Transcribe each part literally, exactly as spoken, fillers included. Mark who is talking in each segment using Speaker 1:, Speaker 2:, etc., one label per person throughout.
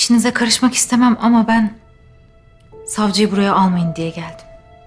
Speaker 1: İşinize karışmak istemem ama ben savcıyı buraya almayın diye geldim.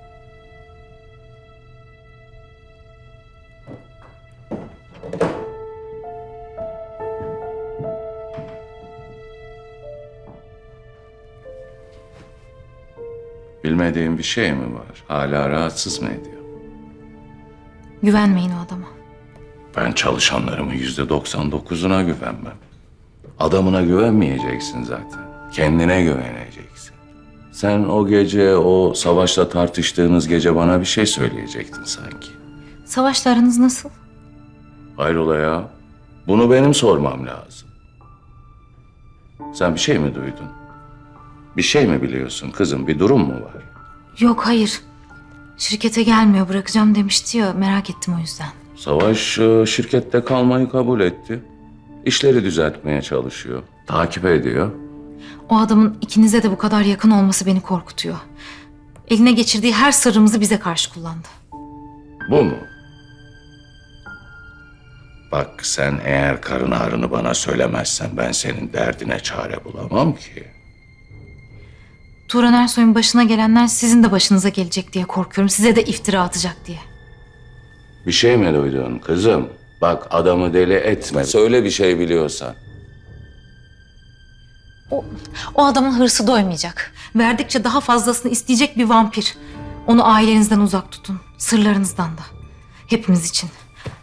Speaker 2: Bilmediğin bir şey mi var? Hala rahatsız mı ediyor?
Speaker 1: Güvenmeyin o adama.
Speaker 2: Ben çalışanlarımın yüzde doksan dokuzuna güvenmem. Adamına güvenmeyeceksin zaten. Kendine güveneceksin. Sen o gece, o Savaş'la tartıştığınız gece bana bir şey söyleyecektin sanki.
Speaker 1: Savaş'la aranız nasıl?
Speaker 2: Hayrola ya? Bunu benim sormam lazım. Sen bir şey mi duydun? Bir şey mi biliyorsun kızım? Bir durum mu var?
Speaker 1: Yok, hayır. Şirkete gelmiyor, bırakacağım demişti ya, merak ettim o yüzden.
Speaker 2: Savaş e, şirkette kalmayı kabul etti. İşleri düzeltmeye çalışıyor. Takip ediyor.
Speaker 1: O adamın ikinize de bu kadar yakın olması beni korkutuyor. Eline geçirdiği her sırrımızı bize karşı kullandı.
Speaker 2: Bu mu? Bak sen eğer karın ağrını bana söylemezsen ben senin derdine çare bulamam ki.
Speaker 1: Turan Ersoy'un başına gelenler sizin de başınıza gelecek diye korkuyorum. Size de iftira atacak diye.
Speaker 2: Bir şey mi duydun kızım? Bak adamı deli etme. Söyle bir şey biliyorsan.
Speaker 1: O, o adamın hırsı doymayacak. Verdikçe daha fazlasını isteyecek bir vampir. Onu ailenizden uzak tutun. Sırlarınızdan da. Hepimiz için.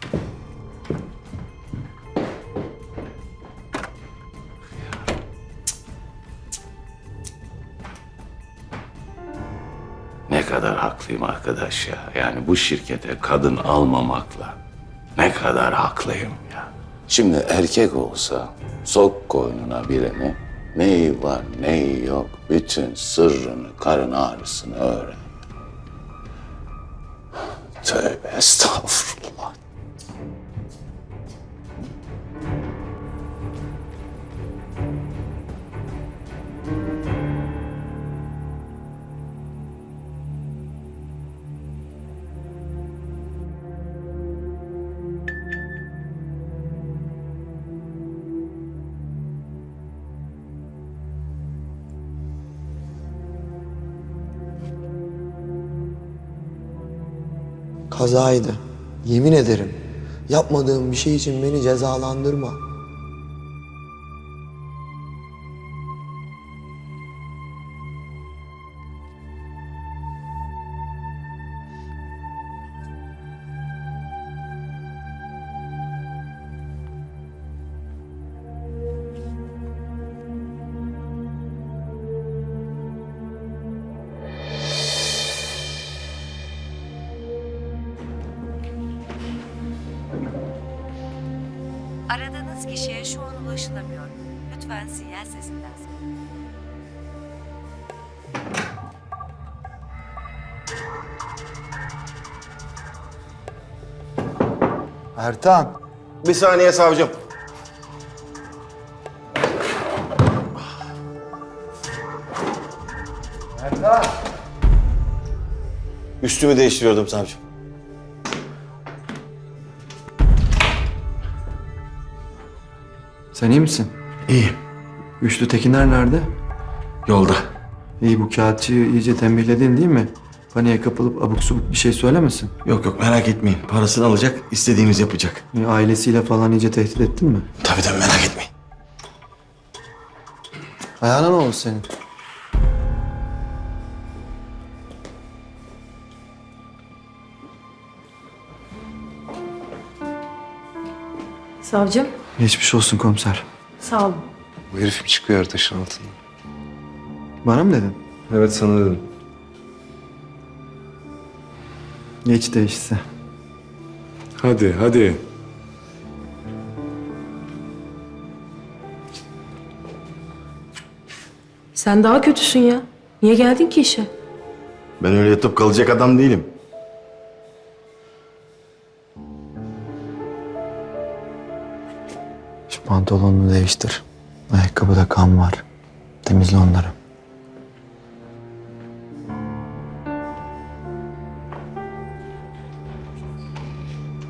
Speaker 2: Ne kadar haklıyım arkadaş ya. Yani bu şirkete kadın almamakla ne kadar haklıyım ya. Şimdi erkek olsa sok koynuna birini, neyi var neyi yok bütün sırrını, karın ağrısını öğren. Tövbe estağfurullah.
Speaker 3: Kazaydı. Yemin ederim. Yapmadığım bir şey için beni cezalandırma.
Speaker 4: Aradığınız kişiye şu an ulaşılamıyor. Lütfen sinyal sesinden sonra.
Speaker 3: Ertan.
Speaker 5: Bir saniye savcım.
Speaker 3: Ertan.
Speaker 5: Üstümü değiştiriyordum savcım.
Speaker 6: Sen iyi misin?
Speaker 5: İyiyim.
Speaker 6: Güçlü Tekinler nerede?
Speaker 5: Yolda.
Speaker 6: İyi, bu kağıtçıyı iyice tembihledin değil mi? Paniğe kapılıp abuk subuk bir şey söylemesin.
Speaker 5: Yok yok merak etmeyin. Parasını alacak, istediğimiz yapacak.
Speaker 6: E, ailesiyle falan iyice tehdit ettin mi?
Speaker 5: Tabii tabii merak etmeyin.
Speaker 6: Ayağına ne oldu senin?
Speaker 7: Savcım,
Speaker 6: Geçmiş olsun komiser.
Speaker 7: sağ olun.
Speaker 8: Bu herif çıkıyor taşın altından.
Speaker 6: Bana mı dedin?
Speaker 8: Evet sana dedim.
Speaker 6: Geç değişse.
Speaker 8: Hadi hadi.
Speaker 7: Sen daha kötüsün ya. Niye geldin ki işe?
Speaker 5: Ben öyle yatıp kalacak adam değilim.
Speaker 6: Şu pantolonunu değiştir. Ayakkabıda kan var. Temizle onları.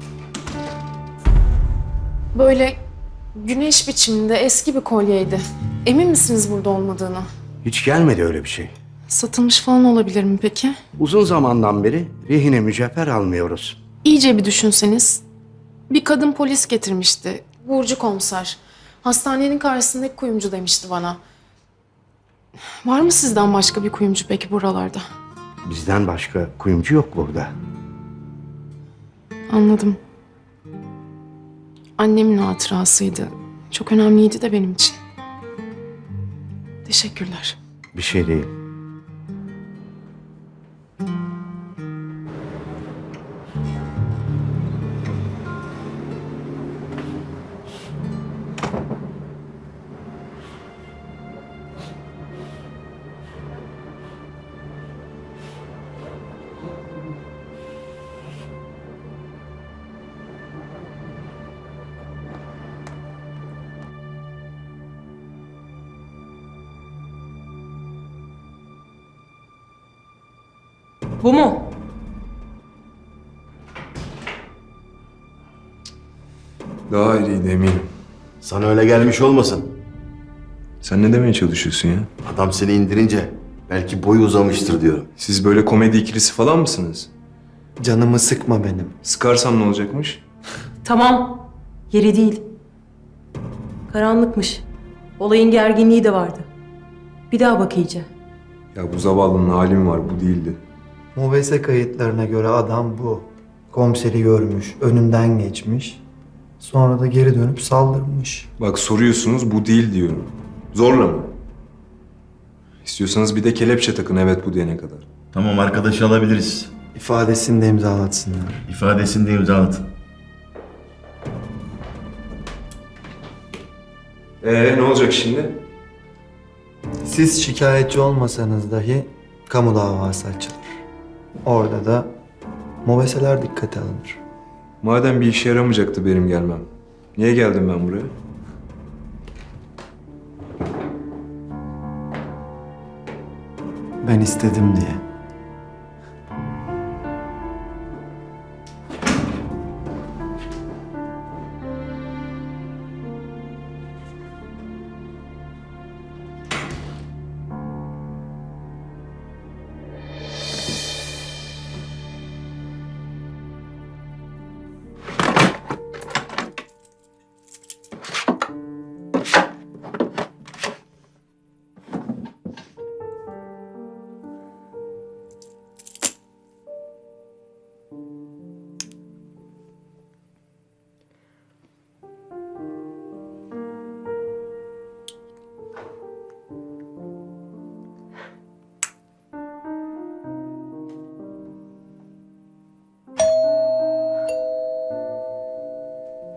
Speaker 7: Böyle güneş biçiminde eski bir kolyeydi.
Speaker 9: Emin misiniz burada olmadığını?
Speaker 10: Hiç gelmedi öyle bir şey.
Speaker 9: Satılmış falan olabilir mi peki?
Speaker 10: Uzun zamandan beri rehine mücevher almıyoruz.
Speaker 9: İyice bir düşünseniz. Bir kadın polis getirmişti. Burcu komiser. Hastanenin karşısındaki kuyumcu demişti bana. Var mı sizden başka bir kuyumcu peki buralarda?
Speaker 10: Bizden başka kuyumcu yok burada.
Speaker 9: Anladım. Annemin hatırasıydı. Çok önemliydi de benim için. Teşekkürler.
Speaker 10: Bir şey değil.
Speaker 7: Bu mu?
Speaker 8: Daha iyiydi eminim.
Speaker 5: Sana öyle gelmiş olmasın.
Speaker 8: Sen ne demeye çalışıyorsun ya?
Speaker 5: Adam seni indirince belki boyu uzamıştır diyorum.
Speaker 8: Siz böyle komedi ikilisi falan mısınız?
Speaker 3: Canımı sıkma benim.
Speaker 8: Sıkarsam ne olacakmış?
Speaker 7: Tamam. Yeri değil. Karanlıkmış. Olayın gerginliği de vardı. Bir daha bak iyice.
Speaker 8: Ya bu zavallının halim var, bu değildi.
Speaker 3: Mobese kayıtlarına göre adam bu. Komiseri görmüş, önünden geçmiş. Sonra da geri dönüp saldırmış.
Speaker 8: Bak soruyorsunuz, bu değil diyorum. Zorla mı? İstiyorsanız bir de kelepçe takın evet bu diyene kadar.
Speaker 5: Tamam, arkadaşı alabiliriz.
Speaker 3: İfadesini de imzalatsınlar.
Speaker 5: İfadesini de imzalatın.
Speaker 8: Ee ne olacak şimdi?
Speaker 3: Siz şikayetçi olmasanız dahi kamu davası açılır. Orada da mobeseler dikkate alınır.
Speaker 8: Madem bir işe yaramayacaktı benim gelmem. Niye geldim ben buraya?
Speaker 3: Ben istedim diye.